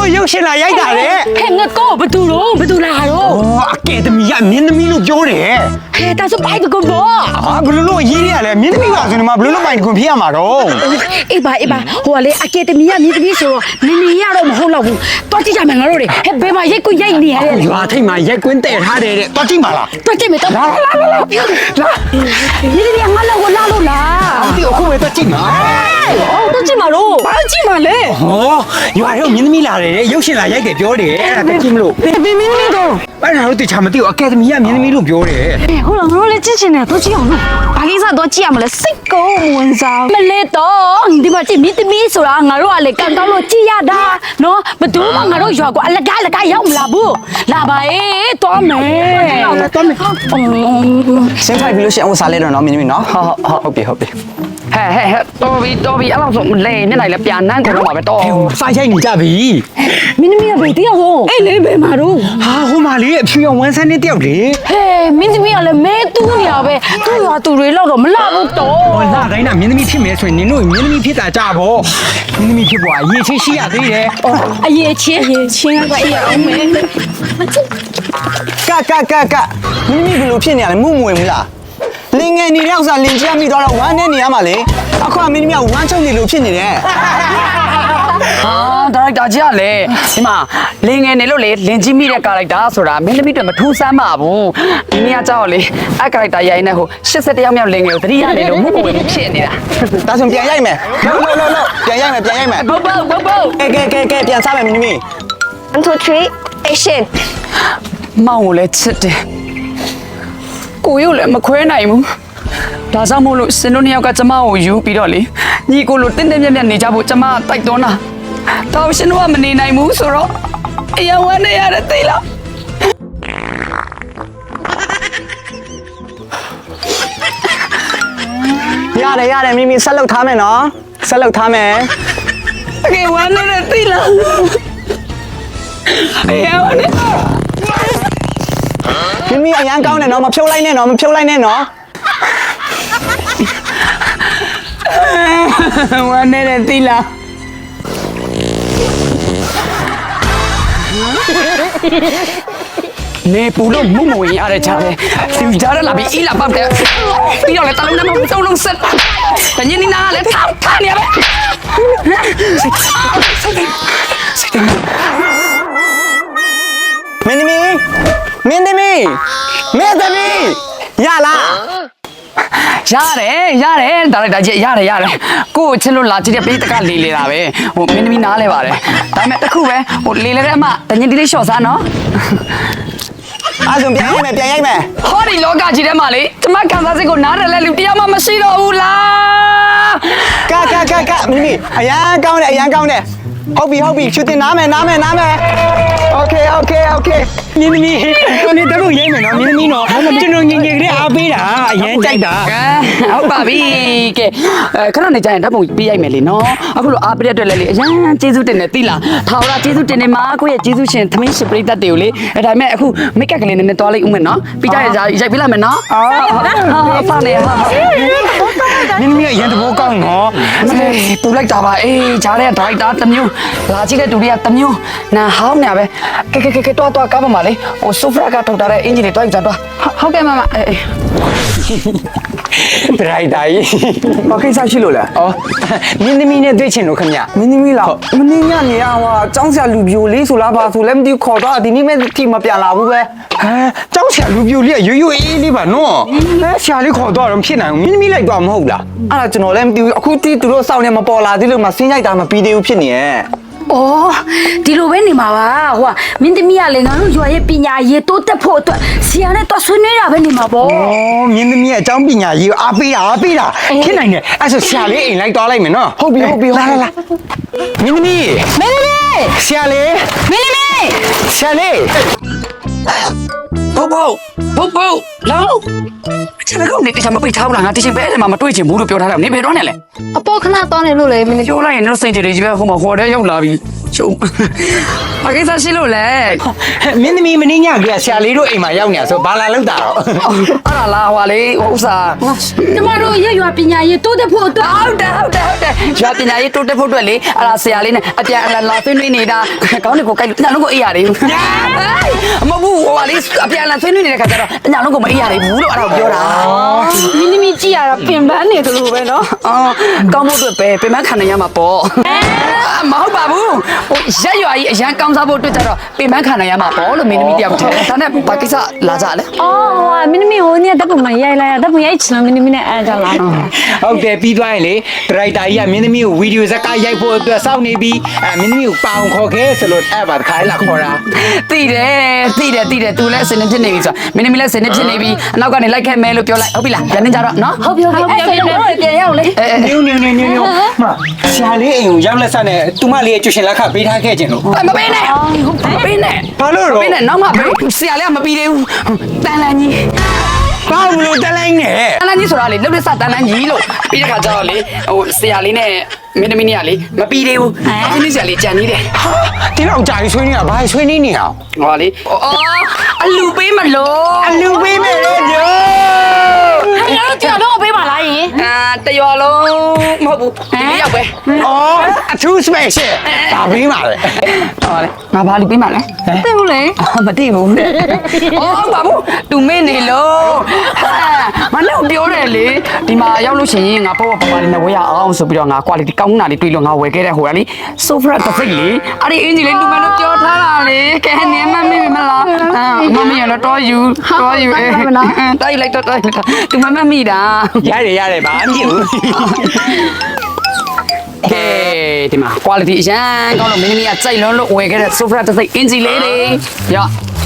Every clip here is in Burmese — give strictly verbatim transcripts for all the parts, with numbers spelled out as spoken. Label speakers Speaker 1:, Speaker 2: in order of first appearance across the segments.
Speaker 1: ရုပ်ရှင်လာရိုက်တာလေ
Speaker 2: ဟဲ့ငါကောဘသူတော့ဘသူလာတော့
Speaker 1: ဩအကယ်ဒမီကမင်းသမီးလို့ပြောတယ်
Speaker 2: ဟဲ့ဒါဆိုပိုက်ကောဘော
Speaker 1: ဟာဘလို့လို့ရေးရလဲမင်းသမီးပါဆိုနေမှာဘလို့လို့ပိုင်ကွန်ဖြစ်ရမှာတော့
Speaker 2: အေးပါအေးပါဟိုကလေအကယ်ဒမီကမြင်းသမီးဆိုတော့နင်နေရတော့မဟုတ်တော့ဘူးတော့ကြည့်ကြမယ်ငါတို့တွေဟဲ့ဘယ်မှာရိုက်ကိုရိုက်နေရလဲ
Speaker 1: ရွာထိတ်မှာရိုက်ကွင်းတဲ့ထားတယ်တဲ့တော့ကြည့်ပါလား
Speaker 2: တော့ကြည့်မယ်တော့လာလာလာလာလာမြင်းသမီးငါလောက်ကိုလာလို့လား
Speaker 1: ဒီအခုပဲတော့ကြည့်မှာ
Speaker 2: အော်တော့ကြည့်မှာလို့ဘာကြည့်မှာလဲ
Speaker 1: ဟောရွာတော့မင်းသမီးလာတယ်ရုပ်ရှင်လာရိုက်တယ်ပြောတယ်အဲ့ဒါကြည့်မလို့
Speaker 2: ဘယ်မင်းသမီးတော့
Speaker 1: အဲ့ဒါတော့တခြားမသိဘူးအကယ်ဒမီကမင်းသမီးလို့ပြောတယ်
Speaker 2: ဟုတ်လားငါတို့လည်းကြည့်ချင်တယ်တော့ကြည့်အောင်လို့ဘာကိစ္စတော့ကြည့်ရမလဲစိတ်ကောမဝင်စားမလဲတော့ဒီမှာကြည့်မြင်းသမီးဆိုတာငါတို့ကလေကန်ကောင်းလို့ကြည့်ရတာနော်ဘယ်သူမှငါတို့ရွာကအလကားလကားရောက်မလာဘူးလာပါအေးတော်မယ်တော်မယ်
Speaker 3: စင်းထိုက်ပြီးလို့ရှိရင်အဝတ်စားလဲတော့နော်မင်းသမီးနော်ဟုတ်ဟုတ်ဟုတ်ပြီဟုတ်ပြီ
Speaker 4: ဟဲ့ဟဲ့ဟဲ့တော်ပြီတော်ပြီအဲ့လောက်ဆိုလေမျက်နှာလည်းပြန်နှမ်းကုန်တော့မှာပဲတော်
Speaker 1: စာရိုက်နေကြပြီ
Speaker 2: မင်းသမီးကဘယ်တယောက်ဆုံးအေးလေဘယ်မှာတော့
Speaker 1: ဟာဟိုမှာလေအဖြူရောင်ဝမ်းဆန်းနဲ့တယောက်လေ
Speaker 2: ဟဲ့မင်းသမီးကလည်းမဲတူးနေရပဲသူ့ရွာသူတွေလောက်တော့မလာဘူးတော့
Speaker 1: ဟောလာတိုင်းကမင်းသမီးဖြစ်မယ်ဆိုရင်နင်တို့မင်းသမီးဖြစ်တာကြပါမင်းသမီးဖြစ်ပေါ်အရေးချင်းရှိရသေးတယ်
Speaker 2: အရေးချင်းအရေးချင်းကအေးအောင်မဲ
Speaker 3: ကကကကမင်းသမီးဘယ်လိုဖြစ်နေရလဲမှုမဝင်ဘူးလားလင်ငယ်နေတဲ့ဥစ္စာလင်ချမ်းမိတော့တော့ဝမ်းနဲ့နေရမှာလေအခုကမင်းသမီးကဝမ်းချုပ်နေလို့ဖြစ်နေတယ်
Speaker 4: ဟာဒါရိုက်တာကြီးကလေဒီမှာလင်ငယ်နေလို့လေလင်ကြီးမိတဲ့ကာရိုက်တာဆိုတာမင်းသမီးတွေမထူးဆန်းပါဘူးဒီနေ့ကကြောက်လေအဲ့ကာရိုက်တာရိုက်နေဟို၈၁ယောက်မြောက်လင်ငယ်ကိုတတိယနေလို့မှုကိုဖြစ်နေတာ
Speaker 3: ဒါဆိုပြန်ရိုက်မယ်လို့လို့လို့ပြန်ရိုက်မယ်ပြန်ရိုက်မယ်
Speaker 4: ဘုတ်ဘုတ်ဘုတ်ဘုတ်
Speaker 3: ကဲကဲကဲကဲပြန်စားမယ်မင်းသမီး
Speaker 5: one two three action
Speaker 4: မောင်ကိုလည်းချစ်တယ်ကိုရုပ်လည်းမခွဲနိုင်ဘူးဒါကြောင့်မို့လို့စင်တို့နှစ်ယောက်ကကျမကိုယူပြီးတော့လေညီကိုလိုတင်းတင်းမြတ်မြတ်နေကြဖို့ကျမတိုက်တွန်းတာတော့ရှင်တို့ကမနေနိုင်ဘူးဆိုတော့အယံဝမ်းနေရတယ်သိလား
Speaker 3: ရတယ်ရတယ်မင်းသမီးဆက်လုပ်ထားမယ်နော်ဆက်လုပ်ထားမယ်
Speaker 4: အကေဝမ်းနေတယ်သိလားအယံဝမ်းနေ
Speaker 3: မင်းသမီးအရန်ကောင်းတယ်နော်မဖြုတ်လိုက်နဲ့နော်မဖြုတ်လိုက်နဲ့နော်
Speaker 4: ဝမ်းနေတယ်သိလားနေပူလို့မုံမဝင်ရတဲ့ချာပဲသူကြားရလာပြီးအီလာပတ်တယ်ပြီးတော့လေတလုံးနဲ့မစုံလုံးဆက်တညနေနာလေထောက်ထားနေရပဲစိတ်တယ်
Speaker 3: မင်းသမီးမင်းသမီးမင်းသမီးရလား
Speaker 4: ရတယ်ရတယ်ဒါလိုက်တာကြီးရတယ်ရတယ်ကို့ချစ်လို့လာကြည့်တဲ့ပေးတကလေလေတာပဲဟိုမင်းသမီးနားလဲပါတယ်ဒါပေမဲ့တခုပဲဟိုလေလေတဲ့အမတညတိလေးလျှော့စားနော်
Speaker 3: အဲ့ဆိုပြန်ရိုက်မယ်ပြန်ရိုက်မယ်
Speaker 4: ဟောဒီလောကကြီးထဲမှာလေကျမခံစားစိတ်ကိုနားတယ်လဲလူတရားမှမရှိတော့ဘူးလား
Speaker 3: ကကကကမင်းသမီးအရန်ကောင်းတယ်အရန်ကောင်းတယ်ဟုတ်ပြီဟုတ်ပြီရှူတင်နားမယ်နားမယ်နားမယ်โอเคโอเคโอเค
Speaker 1: မင်းသမီးကိုနေတော့ရိုက်မယ်နော်မင်းသမီးနော်ကျွန်တော်ငင်ငယ်ကလေးအားပေးတာအရင်ကြိုက်တာ
Speaker 4: ကဲဟုတ်ပါပြီကဲအဲခဏနေကြရင်ဓာတ်ပုံပေးရိုက်မယ်လေနော်အခုလိုအားပေးတဲ့အတွက်လည်းလေအရန်ကျေးဇူးတင်တယ်သိလားထာဝရကျေးဇူးတင်နေမှာကိုယ့်ရဲ့ကျေးဇူးရှင်သမင်းရှင်ပရိသတ်တွေကိုလေအဲဒါပေမဲ့အခုမိတ်ကပ်ကလေးနည်းနည်းသွားလိုက်ဦးမယ်နော်ပြီးကြရရိုက်ပေးလိုက်မယ်နော်ဟာဟာဖာနေဟာ
Speaker 1: မင်းသမီးအရင်သဘောကောင်းနော်
Speaker 4: ပူလိုက်တာပါအေးဂျားတဲ့ဒရိုက်တာတစ်မျိုးလာကြည့်တဲ့သူတွေကတစ်မျိုးနာဟောင်းနေပဲကဲကဲကဲကဲတွားတွားကားပါမလေဟိုဆိုဖရာကထုတ်ထားတဲ့အင်ဂျင်တွေတွားယူကြတွားဟုတ်ကဲ့မမအေး
Speaker 1: ဒရိုက်တာကြီး
Speaker 3: ဘာကိစ္စရှိလို့လဲ
Speaker 1: ဩမင်းသမီးနဲ့တွေ့ချင်လို့ခင်ဗျ
Speaker 3: မင်းသမီးလားမင်းညနေရဟိုចောင်းဆရာလူပြိုလေးဆိုလားဘာဆိုလဲမသိခေါ်တော့ဒီနေ့မဲ့တိမပြန်လာဘူးပဲ
Speaker 1: ဟမ်ကျောင်းဆရာလူပြိုလေးကရွရွအေးလေးပါနော်အဲဆရာလေးခေါ်တော့တော့ဖြစ်နိုင်ဘူးမင်းသမီးလိုက်တော့မဟုတ်လား
Speaker 3: အဲ့ဒါကျွန်တော်လည်းမသိဘူးအခုတိသူတို့စောင့်နေမပေါ်လာသေးလို့မှဆင်းရိုက်တာမပြီးသေးဘူးဖြစ်နေရဲ့
Speaker 2: အော်ဒီလိုပဲနေမှာပါဟိုကမင်းသမီးကလည်းငါတို့ရွာရဲ့ပညာရေးတိုးတက်ဖို့အတွက်ဆရာနဲ့တော့ဆွေးနွေးတာပဲနေမှာပေါ့
Speaker 1: ဩမင်းသမီးရဲ့အကြောင်းပညာကြီးကိုအားပေးတာအားပေးတာဖြစ်နိုင်တယ်အဲ့ဆိုဆရာလေးအိမ်လိုက်သွားလိုက်မယ်နော်
Speaker 3: ဟုတ်ပြီဟုတ်ပြီ
Speaker 1: လာလာလာမင်းသမီး
Speaker 2: မင်းသမီး
Speaker 1: ဆရာလေး
Speaker 2: မင်းသမီး
Speaker 1: ဆရာလေး
Speaker 4: ဘုတ်ဘုတ်ဘုတ်ဘုတ်လောချစ်ကောင်နေတခြားမပိတ်ထားဘူးလားငါတချင်ပဲအဲ့မှာမတွေ့ချင်ဘူးလို့ပြောထားတယ်နေဘယ်တော့နဲ့လဲ
Speaker 5: အပေါ်ခဏတောင်းနေလို့လေမင်း
Speaker 4: ပြောလိုက်ရင်တော့စိတ်ကြည်တွေကြီးပဲဟိုမှာဟော်တဲ့ရောက်လာပြီးရကျုံဘာကိစ္စရှိလို့လဲ
Speaker 1: မင်းသမီးမင်းညကဆရာလေးတို့အိမ်မှာရောက်နေဆိုဘာလာလောက်တာတော့
Speaker 4: အဲ့ဒါလားဟွာလေဥစ္စာ
Speaker 2: ကျမတို့ရွရွပညာရေးတိုးတက်ဖို့အတွက်
Speaker 4: ဟုတ်တယ်ဟုတ်တယ်ဟုတ်တယ်ရွာပညာရေးတိုးတက်ဖို့အတွက်လေအဲ့ဒါဆရာလေးနဲ့အပြန်အလှန်လာဆွေးနွေးနေတာကောင်းတယ်ကိုကြိုက်လို့ညလုံးကိုအေးရတယ်မဟုတ်ဘူးဟွာလေအပြန်အလှန်ဆွေးနွေးနေတဲ့ခါကျတော့ညလုံးကိုမအေးရဘူးလို့အဲ့ဒါကိုပြောတာ
Speaker 2: မင်းသမီးကြည့်ရတာပင်ပန်းနေတယ်လို့ပဲနော်
Speaker 4: အော်ကောင်းဖို့အတွက်ပဲပြင်မခံနိုင်ရမှာပေါ့မဟုတ်ပါဘူးဟိုရက်ရွာကြီးအရန်ကောင်းစားဖို့အတွက်ကျတော့ပြင်မခံနိုင်ရမှာပေါ့လို့မင်းသမီးတယောက်ထင်တယ်ဒါနဲ့ဘာကိစ္စလာကြလဲ
Speaker 2: အော်ဟိုမင်းသမီးဟိုနေ့တပ်ပုံမှာရိုက်လိုက်ရတပ်ပုံရိုက်ချင်လို့မင်းသမီးနဲ့အဲကြလာ
Speaker 1: ဟုတ်တယ်ပြီးသွားရင်လေဒရိုက်တာကြီးကမင်းသမီးကိုဗီဒီယိုဇက်ကရိုက်ဖို့အတွက်စောင့်နေပြီးအဲမင်းသမီးကိုပအောင်ခေါ်ခဲ့ဆိုလို့အဲ့ပါတခါလာခေါ်တာ
Speaker 4: သိတယ်သိတယ်သိတယ်သူလည်းစနေဖြစ်နေပြီဆိုတော့မင်းသမီးလည်းစနေဖြစ်နေပြီအနောက်ကနေလိုက်ခဲ့မယ်လို့ပြောလိုက်ဟုတ်ပြီလားပြန်နေကြတော့နော်
Speaker 2: ဟုတ်ပြီဟုတ်ပြီအဲ့ဆိုတော့ပြန်ရအောင်လေ
Speaker 1: ညိုညိုညိုညိုညိုမဆရာလေးအိမ်ကိုရောက်လက်ဆက်နဲ့သူမလေးရဲ့ကျူရှင်လက်ခပေးထားခဲ့ခြင်းလို့
Speaker 4: မပေးနဲ့မပေးနဲ့
Speaker 1: ဘာလို့
Speaker 4: မ
Speaker 1: တော့
Speaker 4: ပေးနဲ့နောက်မှပေးဆရာလေးကမပြီးသေးဘူးတန်လန်ကြီး
Speaker 1: ဘာလို့တလိုက်နဲ့
Speaker 4: တန်လန်ကြီးဆိုတာလေလှုပ်လက်စတန်လန်ကြီးလို့ပြီးတဲ့ခါကျတော့လေဟိုဆရာလေးနဲ့မင်းသမီးနဲ့ကလေမပြီးသေးဘူးအင်းဆရာလေးကြံနေတယ်
Speaker 1: ဒီတော့ကြာကြီးဆွေးနေတာဘာဆွေးနေနေအောင်
Speaker 4: ဟောလေအော်အလူပေးမလို့
Speaker 1: အလူပေးမယ်လေညို
Speaker 2: ငါတို့ကြောက်တော့ပေးပါလားယင်
Speaker 4: အာတရွာလုံးမဟုတ်ဘူးဒီလေးရောက်ပဲ
Speaker 1: အော်အထူး special ဒါပေးပါလေ
Speaker 4: ဟောလေငါဘာလူပေးမှလဲ
Speaker 2: သိဘူးလေ
Speaker 4: မသိဘူးအော်ဘာဘူးသူမင်းနေလို့မနဲ့ပြောတယ်လေဒီမှာရောက်လို့ရှိရင်ငါပေါ့ပေါ့ပါလေးနဲ့ဝယ်ရအောင်ဆိုပြီးတော့ငါ quality ကောင်းတာလေးတွေ့လို့ငါဝယ်ခဲ့တဲ့ဟိုကလေ sofa တစ်စိတ်လေအဲ့ဒီအင်ဂျီလေးလူမလို့ပြောထားတာလေကဲနေမမေ့မလားမမေ့ရတော့တော်ယူတော်ယူအဲတိုက်လိုက်တော့တိုက်လိုက်သူမမမိတာ
Speaker 1: ရတယ်ရတယ်ဘာမှမဖြစ်ဘူး
Speaker 4: ကဲဒီမှာ quality အရန်ကောင်းလို့မင်းသမီးကကြိုက်လွန်းလို့ဝယ်ခဲ့တဲ့ sofa တစ်စိတ်အင်ဂျီလေးလေရ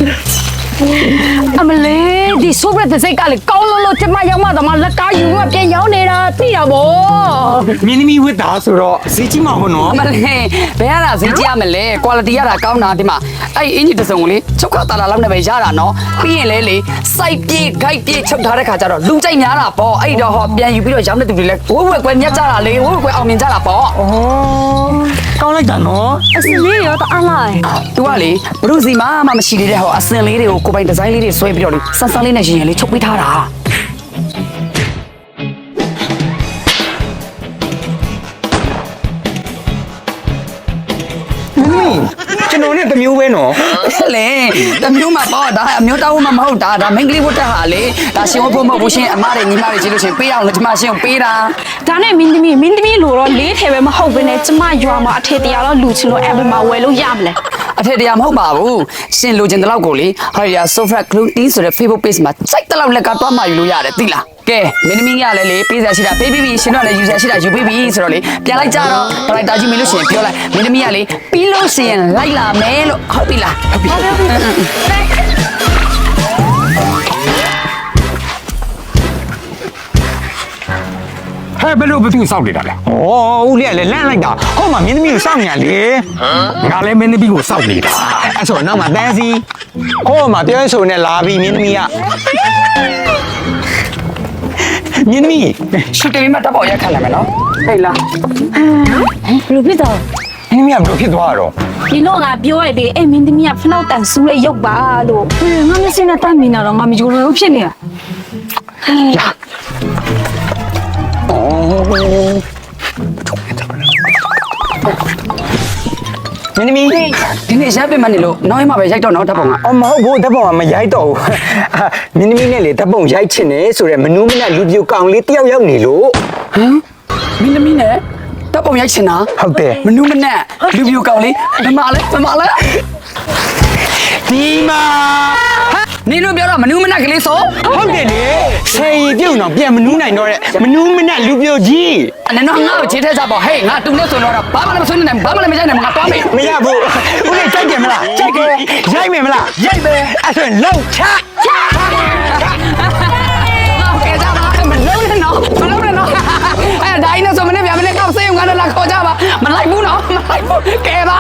Speaker 2: အမလေးဒီဆိုဘရတဲ့စိတ်ကလေကောင်းလို့လို့ကျမရောက်မှတော့မလက်ကားယူကပြန်ရောက်နေတာသိတာဗော
Speaker 1: မင်းသမီးဝတ်တာဆိုတော့ဈေးကြီးမှာဟုတ်နော်
Speaker 4: မလေးဘယ်ရတာဈေးကြီးရမလဲ quality ရတာကောင်းတာဒီမှာအဲ့အင်ဂျီတစ်စုံကိုလေချုပ်ခတာလာလောက်နဲ့ပဲရတာနော်ပြီးရင်လေလေစိုက်ပြေးဂိုက်ပြေးချုပ်ထားတဲ့ခါကျတော့လူကြိုက်များတာပေါ့အဲ့တော့ဟောပြန်ယူပြီးတော့ရောင်းတဲ့သူတွေလဲဝက်ဝက်ကွယ်မြတ်ကြတာလေဝက်ဝက်ကွယ်အောင်မြင်ကြတာပေါ့
Speaker 1: ကောင်းလိုက်တာနော်
Speaker 2: အစလေးရောတအားလိုက်
Speaker 4: သူကလေဘလူးစီမှမမရှိသေးတဲ့ဟောအစင်လေးတွေကိုကိုပိုင်ဒီဇိုင်းလေးတွေဆွဲပြီးတော့လေဆန်းဆန်းလေးနဲ့ရင်ရင်လေးချုပ်ပေးထားတာ
Speaker 1: ကျွန်တော်နဲ့တမျိုးပဲနော်
Speaker 4: လေတမျိုးမှာပေါ့ဒါအမျိုးတောင်းမှမဟုတ်တာဒါမင်္ဂလိဝတ်တာဟာလေဒါရှင်ဝတ်ဖို့မဟုတ်ဘူးရှင်အမတွေညီမတွေကြည့်လို့ရှင်ပေးအောင်လို့ဒီမှာရှင်ကိုပေးတာ
Speaker 2: ဒါနဲ့မင်းသမီးမင်းသမီးလိုတော့လေးထဲပဲမဟုတ်ဘဲနဲ့ကျမရွာမှာအထေတရားတော့လူချင်လို့အဲ့ဘယ်မှာဝယ်လို့ရမလဲ
Speaker 4: အထက်တရားမဟုတ်ပါဘူးရှင်လိုချင်တဲ့လောက်ကိုလေဟာရီယာ sofa clothing ဆိုတဲ့ Facebook page မှာစိုက်တဲ့လောက်လက်ကတွားမှယူလို့ရတယ်သိလားကဲမင်းသမီးကလည်းလေပေးစရာရှိတာပေးပြီးပြီရှင်တော့လည်းယူစရာရှိတာယူပေးပြီဆိုတော့လေပြန်လိုက်ကြတော့ဒရိုက်တာကြီးမင်းလို့ရှင်ပြောလိုက်မင်းသမီးကလေပြီးလို့ရှင်လိုက်လာမယ်လို့ဟုတ်ပြီလားဟုတ်ပြီ
Speaker 1: ဟဲ့ဘယ်လိုဘသူစောင့်နေတာလဲဩဦးလေးကလည်းလန့်လိုက်တာဟုတ်မှာမင်းသမီးကိုစောင့်နေရလေငါလည်းမင်းသမီးကိုစောင့်နေတာအဲ့ဆိုတော့နောက်မှာတန်းစီဟိုမှာပြောဆိုနေလာပြီမင်းသမီးကမင်းသမီး
Speaker 4: ရှူတေးမှာတပ်ပေါ်ရက်ခတ်လာမယ်နော်ဟဲ့လား
Speaker 2: ဘယ်လိုဖြစ်တော့
Speaker 1: မင်းသမီးကဘယ်လိုဖြစ်သွားတော့
Speaker 2: ဒီတော့ငါပြောရသေးအဲ့မင်းသမီးကဖနောက်တန်ဆူးလေးရုပ်ပါလို့ဟဲ့ငါမစင်းနဲ့တတ်မိနေတော့ငါမကြိုးလို့ဖြစ်နေတာ
Speaker 1: လာမင်းသမီး
Speaker 4: ဒီနေ့ရက်ပင်မနေလို့နောက်ရမှာပဲရိုက်တော့နော်တပ်ပေါ်က
Speaker 1: အော်မဟုတ်ဘူးဓာတ်ပုံကမရိုက်တော့ဘူးမင်းသမီးနဲ့လေဓာတ်ပုံရိုက်ချင်တယ်ဆိုတော့မနူးမနဲ့လူပြိုကောင်လေးတယောက်ရောက်နေလို့
Speaker 4: ဟမ်မင်းသမီးနဲ့တပ်ပုံရိုက်ချင်တာ
Speaker 1: ဟုတ်တယ်
Speaker 4: မနူးမနဲ့လူပြူကောင်လေးဓမ္မလဲဓမ္မလဲ
Speaker 1: ဒီမှာ
Speaker 4: နင်တို့ပြောတော့မနူးမနဲ့ကလေးဆို
Speaker 1: ဟုတ်တယ်လေဆယ်ရီပြုတ်တော့ပြန်မနူးနိုင်တော့တဲ့မနူးမနဲ့လူပြိုကြီး
Speaker 4: အဲ့တော့ငါ့ကိုခြေထဲစားပေါ့ဟေးငါတူနဲ့ဆိုတော့ဘာမှလည်းမဆွေးနိုင်ဘာမှလည်းမကြိုက်နိုင်ငါသွားမေး
Speaker 1: မရဘူးဦးလေးကြိုက်တယ်မလားကြိုက်တယ်ရိုက်မယ်မလားရိုက်မယ်အဲ့ဆိုရင်လောက်ချချ
Speaker 4: ကဲကြပါမလုံးနဲ့နော်မလုံးနဲ့နော်အဲ့ဒါင်းနဲ့ဆိုမနေ့ပြန်မနေ့ကောက်စေးငါတို့လာခေါ်ကြပါမလိုက်ဘူးနော်မလိုက်ဘူးကဲပါ